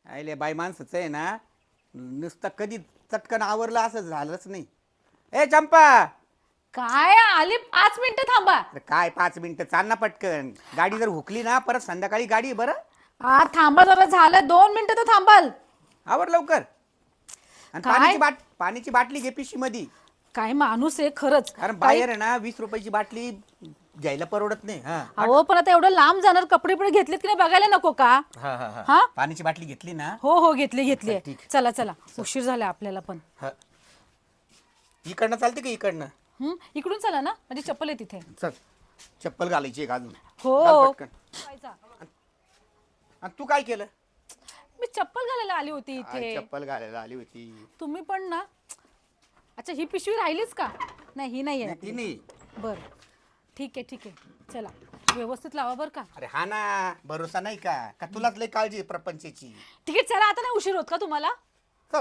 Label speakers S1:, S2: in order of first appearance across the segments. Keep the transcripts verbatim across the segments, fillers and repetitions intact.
S1: आयले बाई माणसाचं आहे ना नुसतं कधी चटकन आवरलं असं झालंच नाही. ए चंपा,
S2: काय आली पाच मिनिटं थांबा.
S1: अरे काय पाच मिनिटं चाल ना पटकन. गाडी जर हुकली ना परत संध्याकाळी गाडी आहे बरं.
S2: हा थांबा जरा, झालं दोन मिनिटं तर थांबाल.
S1: आवर लवकर. आणि
S2: काय?
S1: पाण्याची बाट पाण्याची बाटली घे पिशवी मध्ये.
S2: काय माणूस आहे खरंच.
S1: कारण बाहेर आहे ना वीस रुपयाची बाटली घ्यायला परवडत नाही. हा
S2: अहो पण आता एवढं लांब जाणार, कपडे पण घेतलेत की नाही बघायला नको का?
S1: हा हा हा.
S2: हा
S1: पाण्याची बाटली घेतली ना.
S2: हो हो घेतली घेतली.
S1: ठीक.
S2: चला चला उशीर झाला आपल्याला पण.
S1: हा. इकडनं चालते का इकडनं?
S2: हम्म इकडून चला ना, म्हणजे चप्पल आहे तिथे.
S1: चल चप्पल घालायची एक अजून.
S2: हो.
S1: घाल पटकन.
S2: जायचा.
S1: आणि तू काय केलं?
S2: मी चप्पल घालायला आली होती
S1: आई,
S2: इथे.
S1: चप्पल घालायला आली होती.
S2: तुम्ही पण ना. अच्छा ही पिशवी राहिलीच का? नाही ही नाही
S1: नाही,
S2: आहे.
S1: ती नाही.
S2: बर ठीक आहे ठीक आहे चला, व्यवस्थित लावा बर का.
S1: अरे हा ना, भरोसा नाही का का तुलाच लय काळजी आहे प्रपंचाची.
S2: ठीक आहे चला, आता नाही उशीर होत का तुम्हाला?
S1: चल.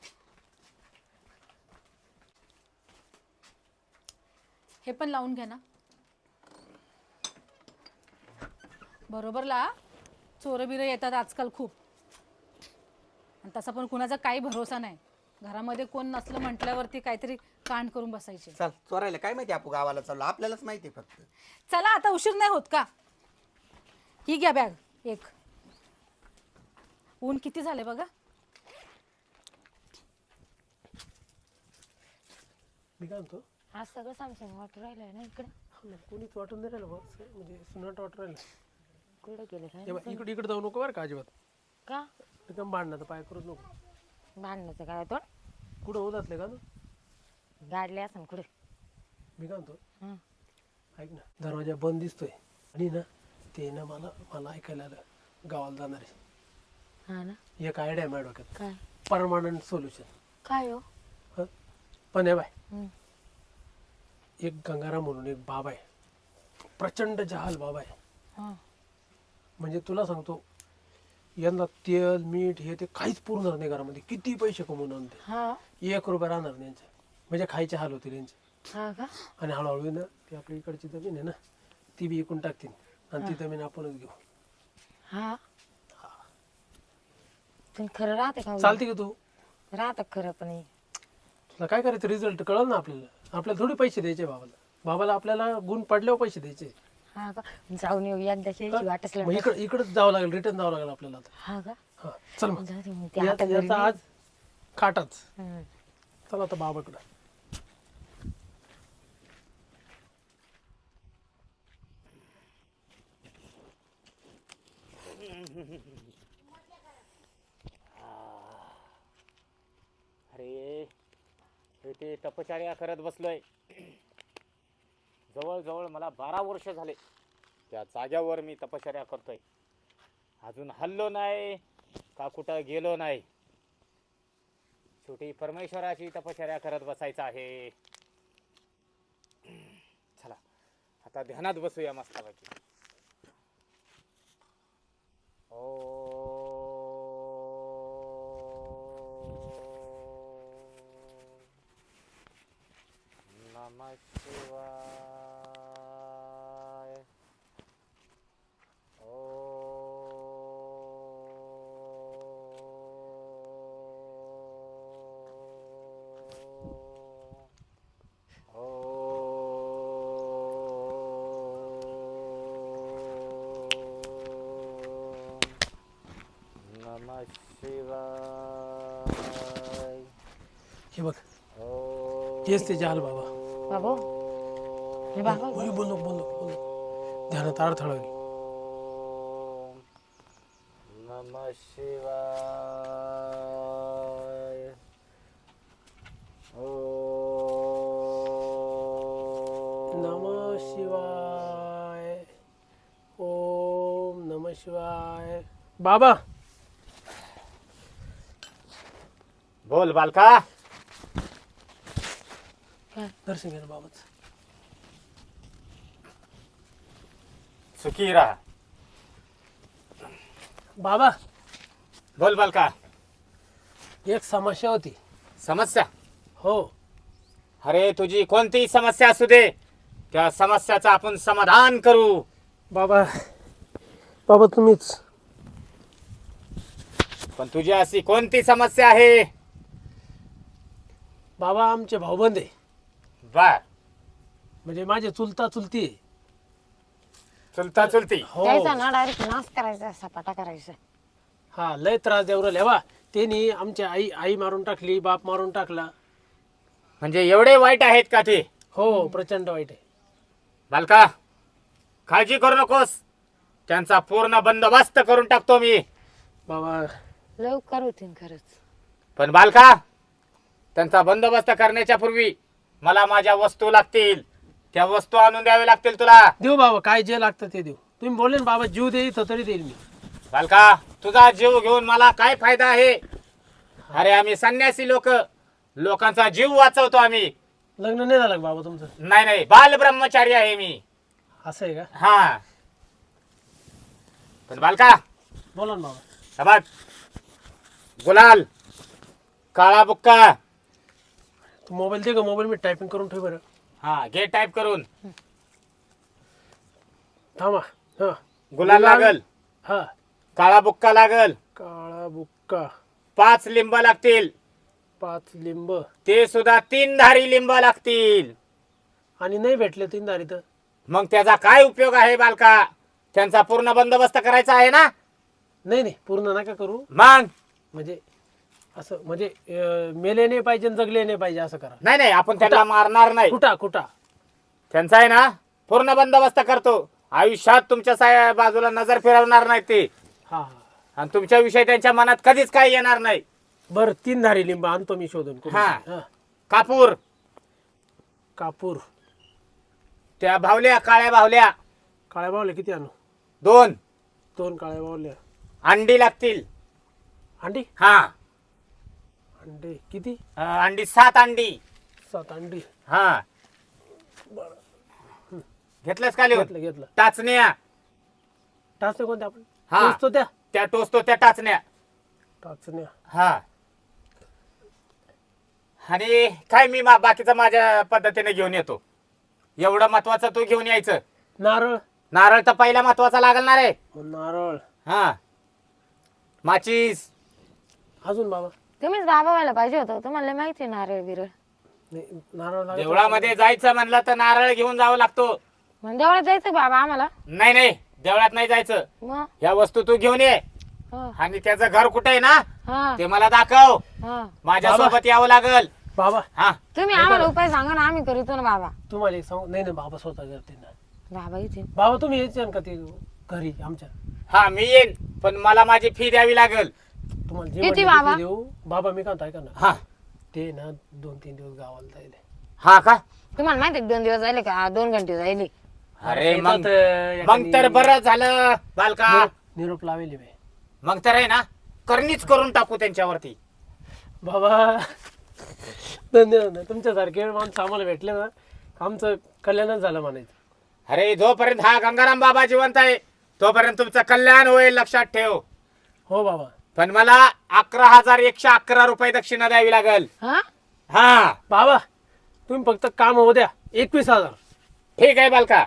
S2: हे पण लावून घ्या ना. बरोबर ला. चोर बिरं येतात आजकाल खूप. आणि तसा पण कुणाचा काही भरोसा नाही. घरामध्ये कोण नसलं म्हटल्यावरती काहीतरी कांड करून बसायचे.
S1: चल चोरायला काय माहिती, आपण गावाला चाललो आपल्यालाच माहिती आहे फक्त.
S2: चला आता उशीर नाही होत का? ही घ्या बॅग एक. ऊन किती झाले बघा.
S3: मी काय म्हणतो,
S4: आज सगळं सामसून वाटू राहिलंय ना इकडे.
S3: हा ना, कोणीच वाटून नाही राहिलं बस, म्हणजे सुनाट वाटू राहिलं.
S4: कुठे गेले काय
S3: हे बघ, इकडे इकडे जाऊ नको बरं का अजिबात.
S4: का
S3: एकदम भांडणाचं पाय करूच नको.
S4: भांडणाचं काय होतं?
S3: कुठं उदासले का तू?
S4: गाडले असं कुठे.
S3: मी काय म्हणतो,
S4: हं.
S3: ऐक ना, दरवाजा बंद दिसतोय आणि ना ते ना मला मला ऐकायला आलं गावाला जाणार आहे.
S4: हा ना.
S3: एक आयडिया आहे माझ्या डोक्यात,
S4: काय
S3: परमानंट सोल्युशन.
S4: काय हो?
S3: हं पण हे बाय,
S4: हं.
S3: एक गंगाराम म्हणून एक बाबा आहे, प्रचंड जहाल बाबा आहे.
S4: हं.
S3: म्हणजे तुला सांगतो, यंदा तेल मीठ हे ते काहीच पुरणार नाही घरामध्ये, किती पैसे कमवून आणते,
S4: हा
S3: एक रुपया राहणार नाही यांचे. म्हणजे खायचे हाल होतील यांचे.
S4: हा का?
S3: आणि हळूहळू ना ती आपली इकडची जमीन आहे ना ती बी विकून टाकतील आणि ती जमीन आपणच घेऊ.
S4: हा तुम्ही खरं राहते का?
S3: चालते का तू?
S4: राहत खरं पण हे.
S3: तुला काय करायचं, रिझल्ट कळल ना आपल्याला. आपल्याला थोडी पैसे द्यायचे बाबाला. बाबाला आपल्याला गुण पडल्यावर पैसे द्यायचे.
S4: हा का? जाऊन येऊ एकदा शेळीची वाटच
S3: मग
S4: लागली.
S3: इकडे इकडेच जावं लागेल, रिटर्न जावं लागेल आपल्याला आता.
S4: हा का?
S3: हा चल मग.
S4: जाऊ दे मग, ते
S3: या-
S4: आता घरी
S3: याचा
S4: नाही.
S3: आज खाटाच.
S4: हं.
S3: चला आता बाबाकडं.
S5: अरे हे ते तपश्चर्या करत बसलोय. जवळजवळ मला बारा वर्ष झाले त्या जाग्यावर मी तपश्चर्या करतोय. अजून हल्लो नाही का कुठं गेलो नाही. शेवटी परमेश्वराची तपश्चर्या करत बसायचं आहे. चला आता ध्यानात बसूया मस्तपैकी. ओ नमः शिवाय. ओ ओ नमः शिवाय.
S3: हे बघ,
S5: ओ
S3: तेच ते जहाल बाबा.
S4: बाबू हे बाबा
S3: बोल बोल नको, बोल नको, बोल नको. ध्यानात अडथळा होईल.
S5: नमः शिवाय.
S3: नमः शिवाय. ओम नमः शिवाय. बाबा
S5: बोल बालका.
S3: दर्शन घे ना बाबाच.
S5: सुखी राहा.
S3: बाबा
S5: बोल बालका.
S3: एक समस्या होती.
S5: समस्या?
S3: हो.
S5: अरे तुझी कोणतीही समस्या असू दे, त्या समस्याचं आपण समाधान करू.
S3: बाबा बाबा तुम्हीच
S5: पण तुझी अशी कोणती समस्या आहे?
S3: बाबा आमचे भाऊबंद आहे,
S5: बर.
S3: म्हणजे माझे चुलता चुलती आहे.
S5: चुलता चुलती.
S3: हो
S4: त्याचा ना डायरेक्ट नाश करायचा सपाटा करायचा.
S3: हा लय त्रास देऊ राहिले बा. त्यांनी आमच्या आई आई मारून टाकली, बाप मारून टाकला.
S5: म्हणजे एवढे वाईट आहेत का ते?
S3: हो प्रचंड वाईट आहे.
S5: बालका, काळजी करू नकोस, त्यांचा पूर्ण बंदोबस्त करून टाकतो मी.
S3: बाबा
S4: लवकर होतीन खरंच.
S5: पण बालका, त्यांचा बंदोबस्त करण्याच्या पूर्वी मला माझ्या वस्तू लागतील. त्या वस्तू आणून द्यावे लागतील तुला.
S3: देऊ बाबा, काय जे लागतं ते देऊ. तुम्ही बोलले ना बाबा जीव दे इथं तरी देईल मी.
S5: बालका, तुझा जीव घेऊन मला काय फायदा आहे? अरे आम्ही संन्यासी लोक, लोकांचा जीव वाचवतो आम्ही.
S3: लग्न नाही झालं का बाबा तुमचं?
S5: नाही नाही, बाल ब्रह्मचारी आहे मी.
S3: असं आहे का?
S5: हा. पण बालका,
S3: बोला ना बाबा.
S5: समज, गुलाल, काळा बुक्का.
S3: तू मोबाईल दे का, मोबाईल मी टायपिंग करून ठेव बरं.
S5: हा, घे टाईप करून.
S3: थांबा. हा
S5: गुलाल लागल,
S3: हा
S5: काळा बुक्का लागल,
S3: काळा बुक्का,
S5: पाच लिंब लागतील,
S3: पाच लिंब.
S5: ते सुद्धा तीन धारी लिंब लागतील.
S3: आणि नाही भेटले तीन दारी तर
S5: मग त्याचा काय उपयोग आहे बालका? त्यांचा पूर्ण बंदोबस्त करायचा आहे ना.
S3: नाही नाही पूर्ण नका करू.
S5: मग
S3: म्हणजे असं म्हणजे अं, मेले नाही पाहिजे आणि जगले नाही पाहिजे असं करा.
S5: नाही नाही, आपण त्यांना मारणार नाही.
S3: कुठा कुठा
S5: त्यांचा आहे ना पूर्ण बंदोबस्त करतो. आयुष्यात तुमच्या सा- बाजूला नजर फिरवणार नाही ते.
S3: हा हा
S5: आणि तुमच्या विषयी त्यांच्या मनात कधीच काही येणार नाही.
S3: बरं तीन धारी लिंब आणतो मी शोधून कुठून.
S5: हा.
S3: हा.
S5: कापूर,
S3: कापूर,
S5: त्या भावल्या, काळ्या भावल्या
S3: काळ्या बावल्या किती आणू?
S5: दोन.
S3: दोन काळ्या बावल्या.
S5: अंडी लागतील.
S3: अंडी
S5: हा,
S3: अंडे किती?
S5: अं, अंडी सात अंडी.
S3: सात अंडी.
S5: हा, घेतलंस का लिहून?
S3: घेतलं घेतलं.
S5: टाचण्या,
S3: टाचण्या कोणत्या आपण?
S5: हा.
S3: टोचतो त्या
S5: त्या टोचतो त्या टाचण्या.
S3: टाचण्या.
S5: हा. आणि काय मी मा- बाकीचं माझ्या पद्धतीने घेऊन येतो. एवढं महत्वाचं तू घेऊन यायचं.
S3: नारळ.
S5: नारळ तर पहिला महत्वाचा लागणार आहे.
S3: नारळ.
S5: हा, माचीस.
S3: अजून बाबा?
S4: तुम्हीच बाबा व्हायला पाहिजे होतं. तुम्हाला माहिती आहे नारळ बिरळ.
S3: नाही नारळ लागत.
S5: देवळामध्ये जायचं म्हणलं तर नारळ घेऊन जावं लागतो.
S4: मग देवळात जायचं बाबा आम्हाला.
S5: नाही नाही, देवळात नाही जायचं.
S4: मग
S5: या वस्तू तू घेऊन ये.
S4: हा
S5: आणि त्याचं घर कुठे आहे ना
S4: हा
S5: ते मला दाखव.
S4: हा.
S5: माझ्या
S3: बाबा.
S5: सोबत यावं लागल.
S3: बाबा
S5: हा,
S4: तुम्ही आम्हाला उपाय सांगा ना, आम्ही करीतो ना बाबा.
S3: तुम्हाला एक सांगू? नाही नाही बाबा स्वतः करते ना.
S4: बाबा इथे
S3: बाबा तुम्ही यायचे का ते घरी आमच्या?
S5: हा मी येईन, पण मला माझी फी द्यावी लागेल.
S3: तुम्हाला जे
S4: किती
S3: म्हणले
S4: बाबा?
S3: ते देऊ. बाबा मी काय म्हणतो ऐका ना,
S5: हा.
S3: ते ना दोन तीन दिवस गावाला जायले.
S5: हा का?
S4: तुम्हाला माहिती आहे दोन दिवस जायले का दोन घंटे जायले.
S5: अरे मग
S3: येतात, अं,
S5: मग तर
S3: एखादी
S5: बरं झालं बालका.
S3: निरोप- निरोप लावेली मी.
S5: मग तर आहे ना करणीच करून टाकू त्यांच्यावरती.
S3: बाबा धन्यवाद ना, तुमच्यासारखे माणसं आम्हाला भेटले ना आमचं कल्याणच झालं म्हणायचं.
S5: अरे जोपर्यंत हा गंगाराम बाबा जिवंत आहे तोपर्यंत तुमचं कल्याण होईल, लक्षात ठेव.
S3: हो बाबा.
S5: पण मला अकरा हजार एकशे अकरा रुपये दक्षिणा द्यावी लागेल.
S4: हा
S5: हा
S3: बाबा तुम्ही फक्त काम होऊ द्या. एकवीस हजार
S5: ठीक आहे बालका.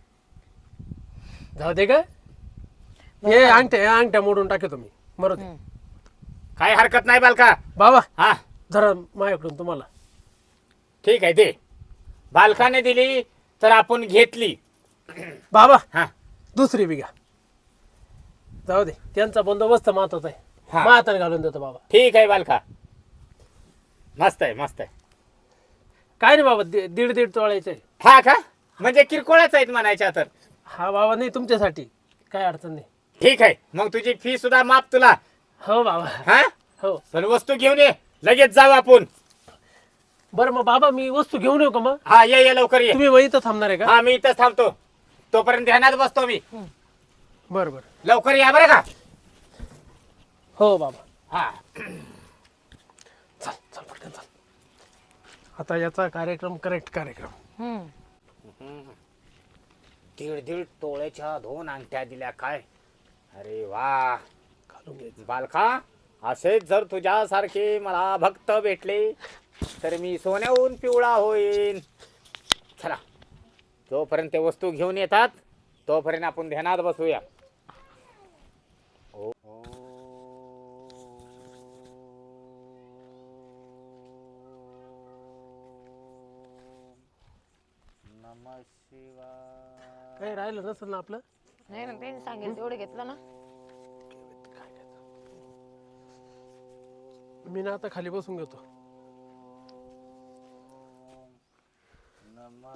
S3: जाऊ दे का? हे अंगठ्या या अंगठ्या मोडून टाके तुम्ही मरू दे.
S5: काही हरकत नाही बालका.
S3: बाबा
S5: हा
S3: जरा माझ्याकडून तुम्हाला.
S5: ठीक आहे दे. बालकाने दिली तर आपण घेतली.
S3: बाबा
S5: हा
S3: दुसरी बिघा जाऊ दे, त्यांचा बंदोबस्त महत्वाचा आहे.
S5: हा.
S3: माझ्या हाताने घालून देतो बाबा.
S5: ठीक आहे बालका. मस्त आहे मस्त आहे.
S3: काय नाही बाबा, दि- दीड दीड तोळायचे.
S5: हा का? म्हणजे किरकोळच आहेत म्हणायच्या तर.
S3: हा बाबा नाही तुमच्यासाठी काय अडचण नाही.
S5: ठीक आहे, मग तुझी फी सुद्धा माफ तुला.
S3: हो बाबा.
S5: हा,
S3: हो
S5: पण वस्तू घेऊन ये, लगेच जाऊ आपण.
S3: बरं मग बाबा मी वस्तू घेऊन येऊ का मग?
S5: हा ये ये लवकर ये.
S3: तुम्ही वही इथं थांबणार आहे का?
S5: हा मी इथंच थांबतो. तोपर्यंत ध्यानात बसतो मी.
S3: बरं बरं.
S5: लवकर या बरं का.
S3: हो बाबा.
S5: हा
S3: चल चल पटकन चल. आता याचा कार्यक्रम करेक्ट कार्यक्रम.
S4: हम्म
S5: दीड दीड तोळ्याच्या दोन अंगठ्या दिल्या काय. अरे वा
S3: घालून घ्यायचं.
S5: बालका, असेच जर तुझ्यासारखे मला भक्त भेटले तर मी सोन्याहून पिवळा होईन. चला, जोपर्यंत ते वस्तू घेऊन येतात तोपर्यंत आपण ध्यानात बसूया. ओ- शिवाय.
S3: काही राहिलं नसेल ना आपलं?
S4: नाही ना त्यांनी सांगेल तेवढं घेतलं ना.
S3: मी ना आता खाली बसून घेतो.
S5: नमः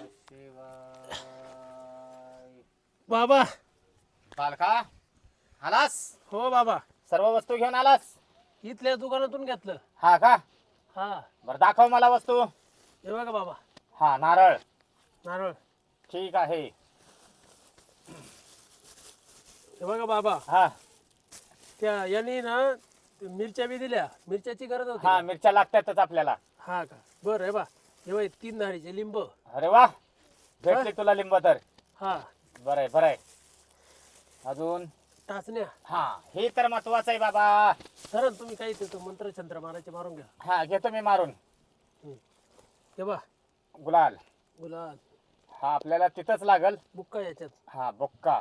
S5: शिवाय.
S3: बाबा.
S5: बालका आलास?
S3: हो बाबा.
S5: सर्व वस्तू घेऊन आलास?
S3: इथल्या दुकानातून घेतलं.
S5: हा का?
S3: हा.
S5: बरं दाखव मला वस्तू.
S3: हे बघा बाबा,
S5: हा नारळ.
S3: नारळ.
S5: ठीक आहे.
S3: हे बघा बाबा,
S5: हा
S3: त्या यांनी ना ते मिरच्या बी दिल्या. मिरच्याची गरज होती.
S5: हा मिरच्या लागतातच आपल्याला.
S3: हा का? बरं. हे बा, हे बघ तीन धाडीचे लिंब.
S5: अरे वा भेटले तुला लिंब तर.
S3: हा.
S5: बरं आहे बरं आहे. अजून
S3: टाचण्या.
S5: हा हे तर महत्वाचं आहे बाबा.
S3: सर तुम्ही काही तिथं मंत्र छंत्र मारायचे मारून घ्या.
S5: हा घेतो मी मारून.
S3: हे बा,
S5: गुलाल.
S3: गुलाल.
S5: हा आपल्याला तिथंच लागल.
S3: बुक्का याच्यात.
S5: हा बुक्का.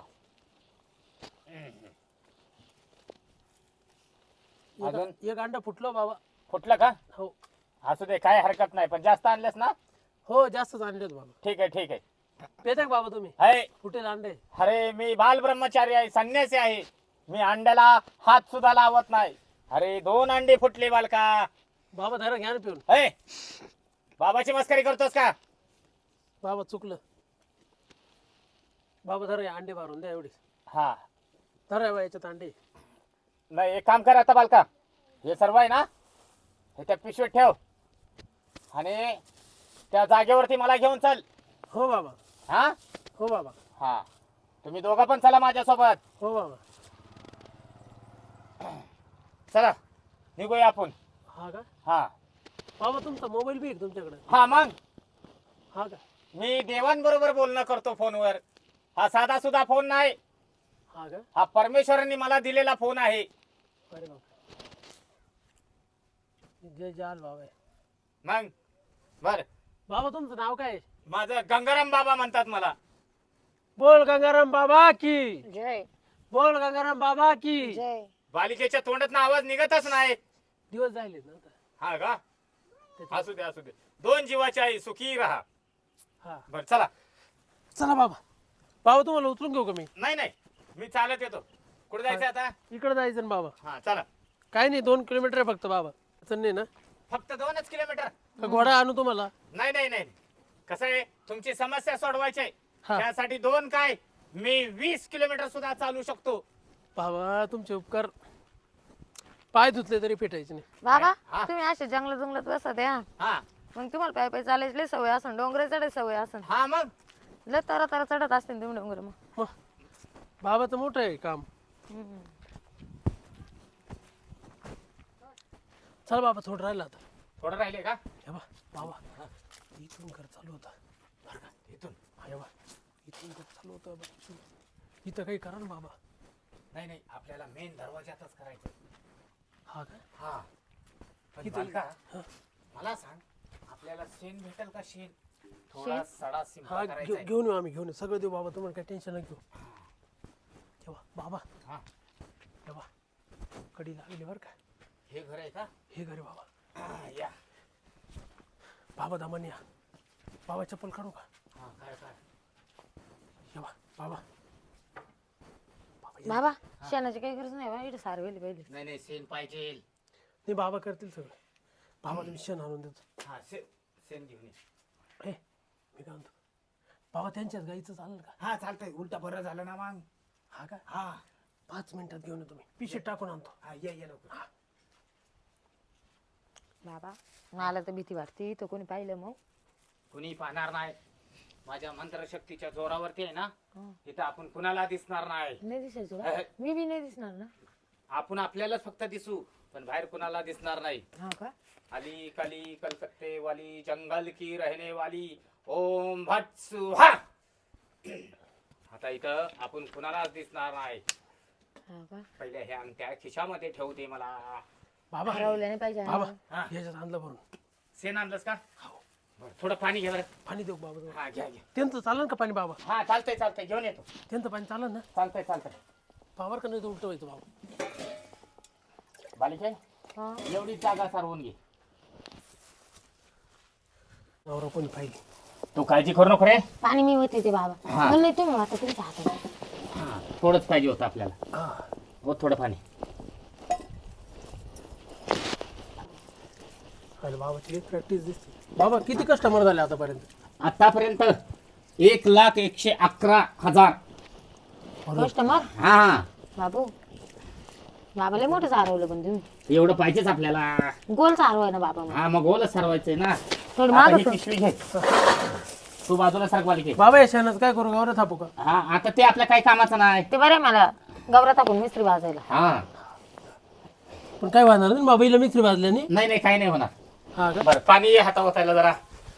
S5: अजून
S3: एक एक अंडा फुटलो बाबा.
S5: फुटलं का?
S3: हो
S5: असू दे काय हरकत नाही पण जास्त आणलेस ना.
S3: हो जास्तच आणलेत बाबा.
S5: ठीक आहे ठीक आहे.
S3: पेता का बाबा तुम्ही?
S5: आहे.
S3: फुटेल अंडे.
S5: अरे मी बाल ब्रह्मचारी आहे संन्यासी आहे. मी अंड्याला हात सुद्धा लावत नाही. अरे दोन अंडे फुटले बालका.
S3: बाबा धरा घ्या ना पिऊन.
S5: है बाबाची मस्करी करतोस का?
S3: बाबा चुकलं. बाबा धरा हे अंडे मारून द्या एवढी.
S5: हा
S3: धरा बा याच्यात अंडे.
S5: नाही एक काम कर आता बालका. हे सर्व आहे ना हे त्या पिशवीत ठेव आणि त्या जागेवरती मला घेऊन चल.
S3: हो बाबा.
S5: हा
S3: हो बाबा.
S5: हा तुम्ही दोघं पण चला माझ्यासोबत.
S3: हो बाबा.
S5: चला निघूया आपण.
S3: हा का?
S5: हा
S3: बाबा तुमचा मोबाईल बी आहे का तुमच्याकडे?
S5: हा मग
S3: हा का?
S5: मी देवांबरोबर बोलणं करतो फोनवर. हा साधा सुद्धा फोन नाही.
S3: हा का?
S5: हा परमेश्वरांनी मला दिलेला फोन आहे.
S3: अरे बाबा. जय जाल बाबा.
S5: मग बर
S3: बाबा तुमचं नाव काय आहे?
S5: माझं गंगाराम बाबा म्हणतात मला.
S3: बोल गंगाराम बाबा की.
S4: जय
S3: बोल गंगाराम बाबा की.
S4: जय.
S5: बालिकेच्या तोंडातून आवाज निघतच नाही.
S3: दिवस जायले ना आता.
S5: हा का? असू दे असू दे. दोन जीवाची आई सुखी राहा.
S3: हा.
S5: बर चला.
S3: चला बाबा. बाबा तुम्हाला उतरून घेऊ का मी?
S5: नाही नाही मी चालत येतो. कुठे जायचं आता?
S3: इकडे जायचं ना बाबा.
S5: हा चला.
S3: काय नाही दोन किलोमीटर आहे फक्त बाबा. अडचण नाही ना?
S5: फक्त दोनच किलोमीटर.
S3: का घोडा आणू तुम्हाला?
S5: नाही नाही नाही कसं आहे तुमची समस्या सोडवायची आहे.
S3: हा.
S5: त्यासाठी दोन काय मी वीस किलोमीटर सुद्धा चालू शकतो.
S3: बाबा तुमचे उपकार पाय धुतले तरी फेटायचे नाही.
S4: बाबा
S5: हा.
S4: तुम्ही असे जंगलात जंगलात बसत या
S5: हा
S4: मग तुम्हाला पाय पाय चालायची लय सवय असन. डोंगरे चढायची सवय असन.
S5: हा मग
S4: लय तरा तरा चढत असते तुम्ही डोंगर. मग
S3: मग बाबाचं मोठं आहे काम.
S4: हम्म.
S3: चल बाबा थोडं राहिलं आता.
S5: थोडं राहिले का?
S3: हे बा बाबा इथून घर चालू होता बरं का?
S5: इथून
S3: हे बा इथून घर चालू होतं बा. इथं काही करा ना बाबा.
S5: नाही नाही आपल्याला मेन दरवाजातच करायचं.
S3: हा का?
S5: हा पण
S3: इथं-
S5: बालका,
S3: हा.
S5: मला सांग आपल्याला शेण भेटेल का? शेण थोडा सडा
S3: हा
S5: सिंपल
S3: घेऊ-
S5: करायचा आहे.
S3: घेऊन येऊ आम्ही घेऊन येऊ सगळं देऊ बाबा. तुम्हाला काही टेन्शन नाही घेऊ. हे बा बाबा.
S5: हा
S3: हे बा कडी लागली बरं का?
S5: हे घर आहे का?
S3: हे घरी बाबा.
S5: हा, या
S3: बाबा दमन या. बाबा चप्पल काढू का?
S5: हा काय काय
S3: हे बा बाबा. बाबा ये.
S4: बाबा शेणाची काही गरज नाही बा. इथे सारवेली पहिले.
S5: नाही नाही शेण पाहिजे.
S3: नाही बाबा करतील सगळं. बाबा तुम्ही शेण आणून देतो.
S5: हा शे शेण घेऊन ये.
S3: हे मी काय म्हणतो बाबा त्यांच्याच गाईचं चालेल का?
S5: हा चालतंय. उलटा बरं झालं ना मग.
S3: हा का?
S5: हा
S3: पाच मिनिटात घेऊन येतो मी. पिशवीत टाकून आणतो.
S5: हा ये ये लवकर.
S4: बाबा मला तर भीती वाटते. तो कोणी पाहिलं मग?
S5: कुणी पाहणार नाही. माझ्या मंत्रशक्तीच्या जोरावरती आहे ना
S4: हं.
S5: इथं आपण कुणाला दिसणार नाही.
S4: नाही दिसायचं का? मी बी नाही दिसणार ना.
S5: आपण आपल्यालाच फक्त दिसू पण बाहेर कुणाला दिसणार नाही.
S4: हा का?
S5: अली कली कलकत्ते वाली जंगल की रहने वाली ओम भट सुहा. आता इथं आपण कुणालाच दिसणार नाही.
S4: हा का?
S5: पहिले हे अंगठ्या खिशामध्ये ठेवते मला.
S3: बाबा
S4: हरवलं नाही पाहिजे.
S3: बाबा
S5: हा.
S3: याच्यात आणलं भरून.
S5: शेण आणलंस का? बरं, थोडं पाणी घे बरं.
S3: पाणी देऊ बाबा तुम्हाला.
S5: हा घ्या घ्या.
S3: त्यांचं चालेल का पाणी बाबा?
S5: हा चालतंय चालतंय घेऊन येतो.
S3: त्यांचं पाणी चालेल ना?
S5: चालतंय चालतंय.
S3: पावर का नाही तर उलट व्हायचं बाबा.
S5: बालिके
S4: हा.
S5: एवढी जागा सारवून घे.
S3: नवरा कोणी पाहिली
S5: तू काळजी करू नको रे.
S4: पाणी मी होते ते बाबा.
S5: हा.
S4: पण नाही तुम्ही आता तुमच्या हातात.
S5: हा थोडंच पाहिजे होतं आपल्याला. हो थोडं पाणी.
S3: अरे बाबाची प्रॅक्टिस दिसते. बाबा किती कस्टमर झाले आतापर्यंत?
S5: आतापर्यंत एक लाख एकशे अकरा हजार.
S4: कस्टमर
S5: हा
S4: बाबू बाबाला मोठं सारवलं पण तुम्ही.
S5: एवढं पाहिजेच आपल्याला.
S4: गोल सारवाय ना बाबा मग.
S5: हा मग गोलच सरवायचंय ना.
S4: थोडं
S5: आता
S4: मागं
S5: ही
S4: सर.
S5: पिशवी घे. तू बाजूला सरकवाली घे.
S3: बाबा या शेणाचं काय करू गावरा थापू का?
S5: हा आता ते आपल्या काही कामाचं नाही.
S4: ते बरं आहे मला गवरा टाकून मिस्त्री भाजायला.
S5: हा
S3: पण काय वाजणार नाही बाबाईला मिस्त्री भाजल्याने?
S5: नाही नाही काही नाही होणार.
S3: हा का?
S5: बरं पाणी हाता ओतायला जरा.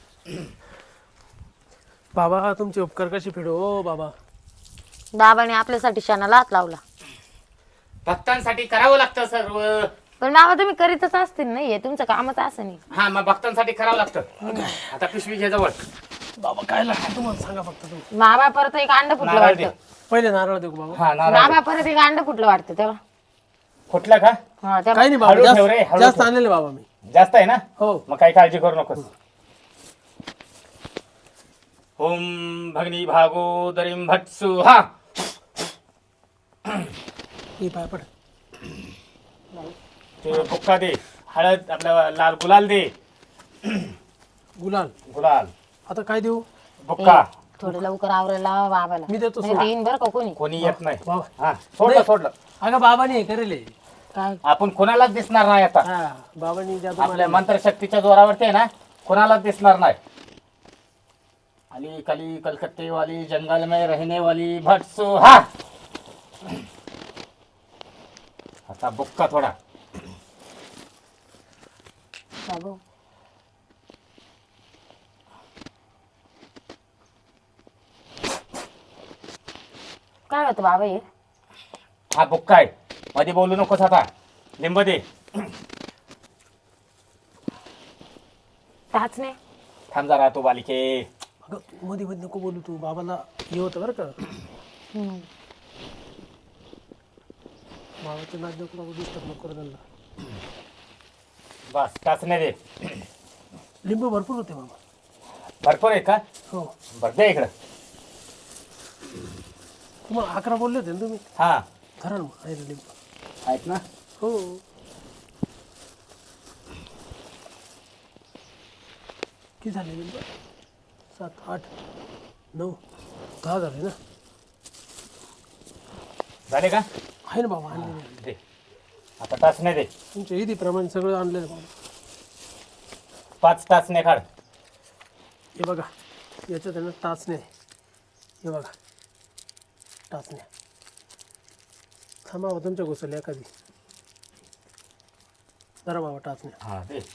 S3: बाबा तुमचे उपकार कशी फेडू हो बाबा.
S4: बाबाने आपल्यासाठी शेणाला हात लावला.
S5: भक्तांसाठी करावं लागतं सर्व.
S4: पण बाबा तुम्ही करीतच असतील नाही हे तुमचं कामच असं नाही.
S5: हा मग भक्तांसाठी करावं लागतं. आता पिशवी घे जवळ.
S3: बाबा काय लागतं तुम्हाला सांगा फक्त तुम्ही.
S4: बाबा परत एक अंड फुटलं
S5: नारळ दे.
S4: वाटतं.
S3: पहिले नारळ देऊ का बाबा?
S5: हा नारळ.
S4: बाबा परत एक अंड फुटलं वाटतं तेव्हा.
S5: कुठलं का?
S4: हा तेव्हा.
S3: काही नाही बाबा
S5: हळू
S3: जास्त
S5: ठेव रे, हळू
S3: जास्त
S5: ठेव.
S3: आणलेले बाबा मी.
S5: जास्त आहे ना?
S3: हो
S5: मग काही काळजी करू नकोस. ओम भगनी भागोदरीं भट्सु हा.
S3: हे पाय पड.
S5: ते बुक्का दे. हळद आपला लाल गुलाल दे.
S3: गुलाल
S5: गुलाल
S3: आता काय देऊ?
S5: बुक्का.
S4: थोडं लवकर आवरायला लावा बाबाला.
S3: मी देतो
S4: नाही
S3: सोड.
S4: देईन बरं का कोणी.
S5: कोणी येत नाही.
S3: बाबा
S5: हा सोडलं सोडलं.
S3: अगं बाबाने हे करेल.
S4: काय
S5: आपण कोणालाच दिसणार नाही आता.
S3: हा बाबांनी जादू
S5: आपल्या
S3: मारली.
S5: मंत्रशक्तीच्या जोरावरती आहे ना कोणालाच दिसणार नाही. अली कली कलकत्ते वाली जंगल में रहने वाली भट्सु हा. आता बुक्का थोडा.
S4: बाबू काय होतं बाबा हे?
S5: हा बुक्का आहे. मध्ये बोलू नकोस आता. लिंब दे.
S4: टाच नाही.
S5: थांब जरा तू बालिके.
S3: अगं तू मध्ये मध्ये नको बोलू तू. बाबाला हे होतं बरं का.
S4: हम्म.
S3: बाबाचं नाच नको बाबा डिस्टर्ब नको करू त्यांना.
S5: बस टाचणे दे.
S3: लिंबू भरपूर होते बाबा.
S5: भरपूर आहे का?
S3: हो
S5: बरं दे इकडं.
S3: तुम्हाला अकरा बोलले होते ना तुम्ही.
S5: हा
S3: धरा ना मग आहे ना लिंबू.
S5: आहेत ना.
S3: हो किती झाले लिंबू? सात आठ नऊ दहा झाले ना.
S5: झाले का?
S3: आहे ना बाबा आणलेले.
S5: दे. आता टाचणे दे.
S3: तुमच्या ईदीप्रमाणे सगळं आणलेलं बाबा.
S5: पाच टाचणे काढ.
S3: हे बघा याच्यात आहे ना टाचणे. हे बघा टाचण्या. थांबा बाबा तुमच्या घुसल्या एखादी. जरा बाबा टाचण्या.
S5: हा दे.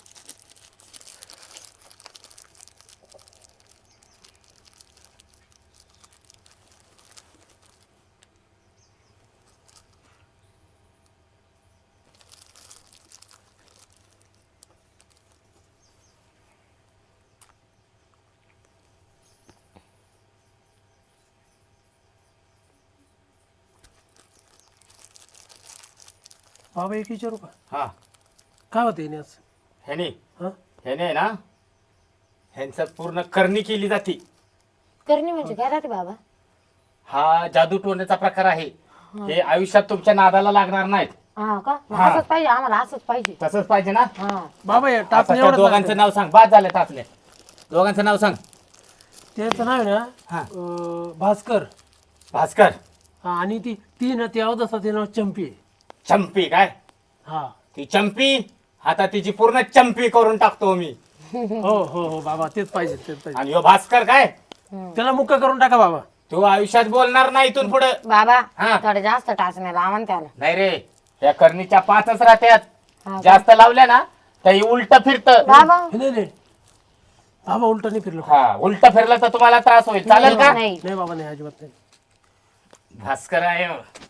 S3: बाबा एक विचारू का?
S5: हा
S3: काय होतं येणे असं?
S5: ह्याने
S3: हां
S5: ह्याने ना ह्यांचं पूर्ण करणी केली जाते.
S4: करणी म्हणजे काय राहते बाबा?
S5: हा जादू टोण्याचा प्रकार आहे. हे आयुष्यात तुमच्या नादाला लागणार नाहीत.
S4: हा का मग
S5: हा.
S4: असंच पाहिजे आम्हाला असंच पाहिजे.
S5: तसंच पाहिजे ना.
S4: हा
S3: बाबा या
S5: आता
S3: टाचण्या
S5: त्या
S3: एवढं
S5: दोघांचं नाव सांग. बाद झाले टाचले. दोघांचं नाव सांग.
S3: त्याचं नाव आहे ना
S5: हा.
S3: अं, भास्कर.
S5: भास्कर.
S3: हा आणि ती ती ना ती अवदसा ते नाव चंपी आहे.
S5: चंपी काय?
S3: हा
S5: ती चंपी. आता तिची पूर्ण चंपी करून टाकतो मी.
S3: हो हो हो बाबा तेच पाहिजे तेच पाहिजे.
S5: आणि ह्यो भास्कर काय?
S3: त्याला मुक्का करून टाका बाबा.
S5: तू आयुष्यात बोलणार नाही इथून पुढे.
S4: बाबा
S5: हा.
S4: थोडे जास्त टाचण्या लावा ना त्याला.
S5: नाही रे या करणीच्या पाचच राहत्यात.
S4: हा.
S5: जास्त लावल्या ना तर उलट फिरत.
S4: बाबा
S3: हे नाही नाही बाबा उलट नाही फिरलं.
S5: हा उलट फिरलं तर तुम्हाला त्रास होईल. चालेल का?
S4: नाही
S3: नाही बाबा नाही अजिबात नाही.
S5: भास्कर आहे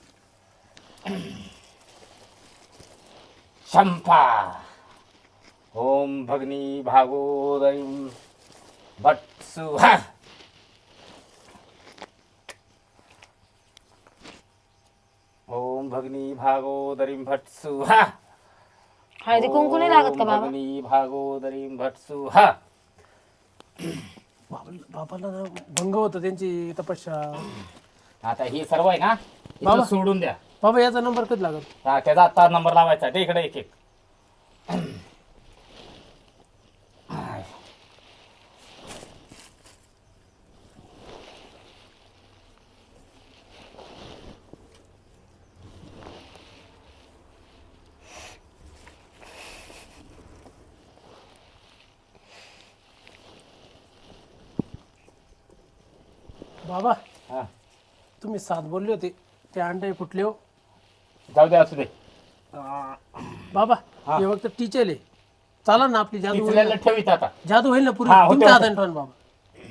S5: शंपा. ओम भगनी भागोदरी भट्सु हा. ओम भगनी भागोदरी भट्सु हा.
S4: हळदी कुंकू नाही लागत का
S5: ओम
S4: बाबा?
S5: भगनी भागोदरी भट्सु हा.
S3: बाबा बाबाला ना भंग होतं त्यांची तपस्या.
S5: आता हे सर्व आहे ना इथं
S3: बाबा.
S5: सोडून द्या.
S3: बाबा याचा नंबर कधी लागल?
S5: हा, त्याचा आता नंबर लावायचा ते इकडे एक एक.
S3: बाबा
S5: हा,
S3: तुम्ही सात बोलले होते ते अंडे फुटले हो.
S5: जाऊ दे असू दे.
S3: बाबा
S5: हा.
S3: हे फक्त टीचर आहे. चाला ना आपली जादू होईल
S5: पिचल्याला
S3: ना.
S5: ठेवीत आता.
S3: जादू होईल ना पुरी
S5: हा, होते,
S3: तुमच्या
S5: होते.
S3: हाताने ठेवा ना बाबा.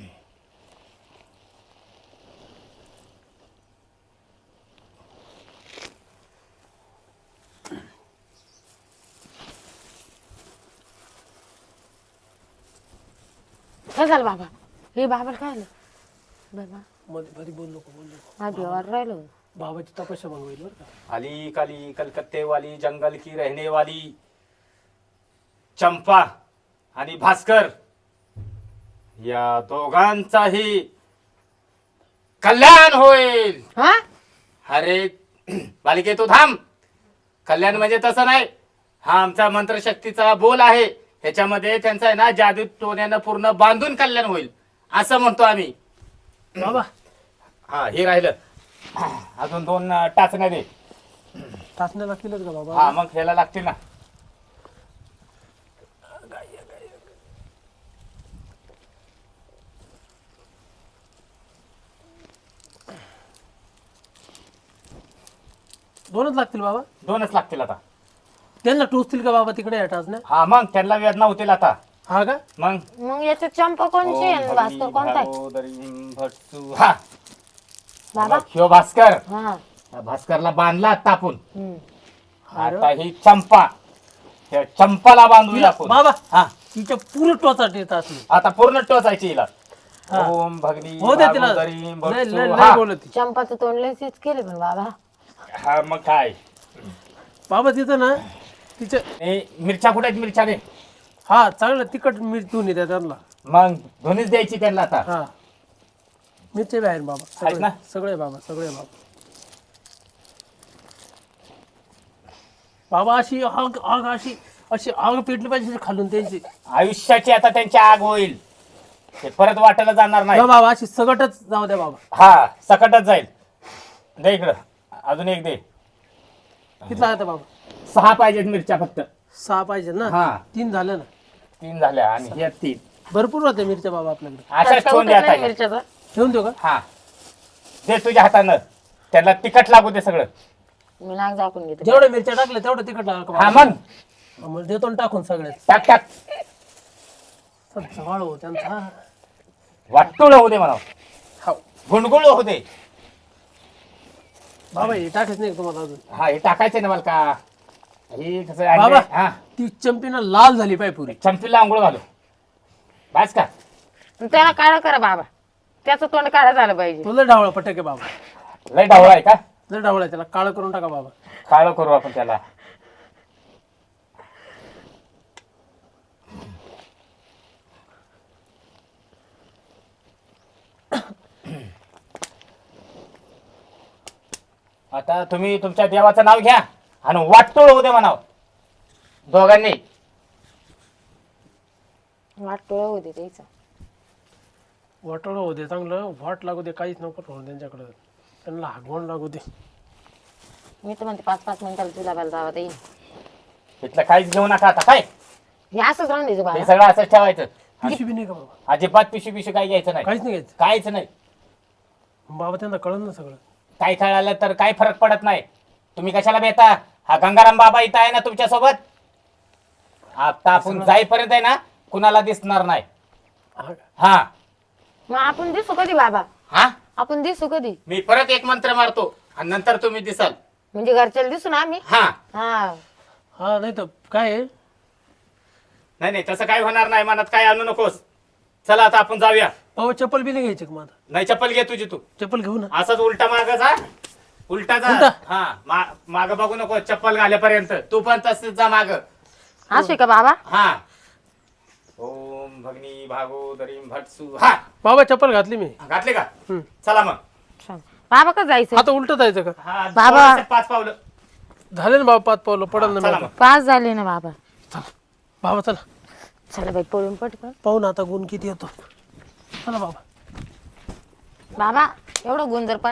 S4: काय झालं बाबा? हे बाबाला काय झालं? बाबा
S3: मध्ये मध्ये बोल नको बोल नको.
S4: माझ्या देवावर राहिलो.
S3: बाबाची तपस्या भंग होईल बरं का.
S5: अली काली कलकत्ते वाली जंगल की रहने वाली चंपा आणि भास्कर या दोघांचाही कल्याण होईल.
S4: हा
S5: अरे बालिके तू थांब. कल्याण म्हणजे तसं नाही. हा आमचा मंत्रशक्तीचा बोल आहे. ह्याच्यामध्ये त्यांचा आहे ना जादू टोण्यानं पूर्ण बांधून कल्याण होईल असं म्हणतो आम्ही.
S3: बाबा
S5: हा हे राहिलं. अजून दोन अं, टाचण्या दे.
S3: टाचण्या लागतीलच का बाबा?
S5: हा मग ह्याला लागतील ना.
S3: दोनच लागतील बाबा?
S5: दोनच लागतील आता.
S3: त्यांना टोचतील का बाबा तिकडे या टाचण्या?
S5: हा मग त्यांना वेदना होतील आता.
S3: हा का?
S5: मग
S4: मग याच्यात चंपा कोणची आहे आणि भास्कर कोणता आहे?
S5: भागोदरी भट्टू. हा
S4: बाबा
S5: ह्यो भास्कर.
S4: हा
S5: या भास्करला बांधला आता आपण.
S4: हम्म.
S5: आता ही चंपा. त्या चंपाला बांधूया आपण.
S3: बाबा
S5: हा
S3: तिच्या पुरं टोचाट येत असली.
S5: आता पूर्ण टोचायची हिला.
S3: हा.
S5: ओम भगनी
S3: हो दे तिला.
S5: भागोदरी
S3: लय-
S5: भट्टू.
S3: लय-
S5: हा.
S3: लय बोलत ती.
S4: चंपाचं तोंड लयच केले पण बाबा.
S5: हा मग काय.
S3: बाबा तिथं ना तिच्या
S5: ए, मिरच्या कुठे आहेत मिरच्या रे.
S3: हा चांगलं तिखट मिरचून येते त्यांना.
S5: मग दोन्हीच द्यायची त्यांना आता.
S3: हा मिरचे बी आहेत बाबा.
S5: आहेत ना?
S3: सगळे सगळे बाबा सगळे बाबा. बाबा अशी आग आग अशी अशी आग पेटली पाहिजे खालून त्यांची.
S5: आयुष्याची आता त्यांची आग होईल. ते परत वाटायला जाणार नाही.
S3: हो बाबा अशी सगटच जाऊ द्या बाबा.
S5: हा सकटच जाईल. दे इकडं अजून एक दे.
S3: किती लागतं बाबा?
S5: सहा पाहिजेत मिरच्या फक्त.
S3: सहा पाहिजे ना?
S5: हा.
S3: तीन झालं ना?
S5: तीन झाल्या आणि हे तीन.
S3: भरपूर होते मिरच्या बाबा आपल्याकडे.
S5: अशाच
S4: तसं
S5: ठेवून
S4: उतरत
S5: द्या
S4: नाही
S5: आता.
S4: मिरच्याचा.
S3: ठेवून देऊ का?
S5: हा दे तुझ्या हातानं. त्याला तिखट लागू दे सगळं.
S4: मी नाक झाकून घेते.
S3: जेवढ्या मिरच्या टाकल्या तेवढं तिखट लागलं का
S5: हा
S3: बाबा?
S5: मग
S3: हा, मग देतो ना टाकून सगळ्यात.
S5: टाक टाक.
S3: जवळ हो त्यांचा.
S5: वाटूळ होऊ दे म्हणा.
S3: हो
S5: गुणगुळ होऊ दे.
S3: बाबा हे टाकायच नाही का तुम्हाला अजून?
S5: हा हे टाकायचं ना मला का. हे कसं
S3: बाबा.
S5: आणलंय? हा
S3: ती चंपीना लाल झाली पाय पुरी.
S5: चंपीला आंघोळ घालू. बस का.
S4: त्याला काळा करा बाबा. त्याचं तोंड काळा झालं पाहिजे.
S3: तो लय डावळा पटक आहे बाबा.
S5: लय डावळा आहे का.
S3: लय डावळा आहे, त्याला काळं करून टाका बाबा.
S5: काळं करू आपण त्याला. आता तुम्ही तुमच्या देवाचं नाव घ्या आणि वाटतोळ होऊ दे म्हणाव दोघांनी.
S4: वाट टोळा होते त्याचा.
S3: वाटोळं होऊ दे चांगलं. वाट लागू दे काहीच नको होऊ त्यांच्याकडं. त्यांना हागवण लागू दे.
S4: मी तर म्हणते पाच पाच मिनिटाला तुला बाला जावं येईल.
S5: इथलं काहीच घेऊ नका आता. काय
S4: हे असंच राहून द्यायचं
S5: हे
S4: बाबा.
S5: सगळं असंच ठेवायचं.
S3: पिशवी बी नाही का बाबा?
S5: अजिबात पिशवी पिशवी काही घ्यायचं नाही.
S3: काहीच नाही घ्यायचं.
S5: काहीच नाही.
S3: बाबा त्यांना कळलं ना सगळं.
S5: काय कळालं तर काही फरक पडत नाही. तुम्ही कशाला भेटा. हा गंगाराम बाबा इथं आहे ना तुमच्या सोबत. आता आपण जाईपर्यंत आहे ना कुणाला दिसणार नाही.
S3: हा का?
S5: हा
S4: मग आपण दिसू कधी बाबा?
S5: हा
S4: आपण दिसू कधी?
S5: मी परत एक मंत्र मारतो आणि नंतर तुम्ही दिसाल.
S4: म्हणजे घरच्याला दिसू ना आम्ही.
S5: हा
S4: हा
S3: हा नाही तर काय आहे?
S5: नाही नाही तसं काय होणार नाही. मनात काय आणू नकोस. चला आता आपण जाऊया.
S3: बाबा चप्पल बी नाही घ्यायची का माझा?
S5: नाही चप्पल घे तुझी तू.
S3: चप्पल घेऊ ना.
S5: असंच उलटा माग जा. उलटा जा.
S3: उलटा?
S5: हा माग बघू नको चप्पल घालेपर्यंत. तू पण तसंच जा माग.
S4: असू का बाबा?
S5: हा ओम भगनी भागोदरीम भटसू हा
S3: बाबा चप्पल घातली मी.
S5: घातले का
S3: हम्म.
S5: चला मग
S4: चल. बाबा का जायचं
S3: आता उलट जायचं का?
S5: हा
S4: बाबा.
S5: थोडंसं पाच पावलं
S3: झाले ना बाबा पाच पावलं पडल ना
S5: चला
S3: मी
S5: मग
S3: आता.
S4: पाच झाले ना बाबा.
S3: चला बाबा चला
S4: चला बाई पळून पटकन.
S3: पाहू ना आता गुण किती येतो. चला बाबा.
S4: बाबा एवढं गुण जर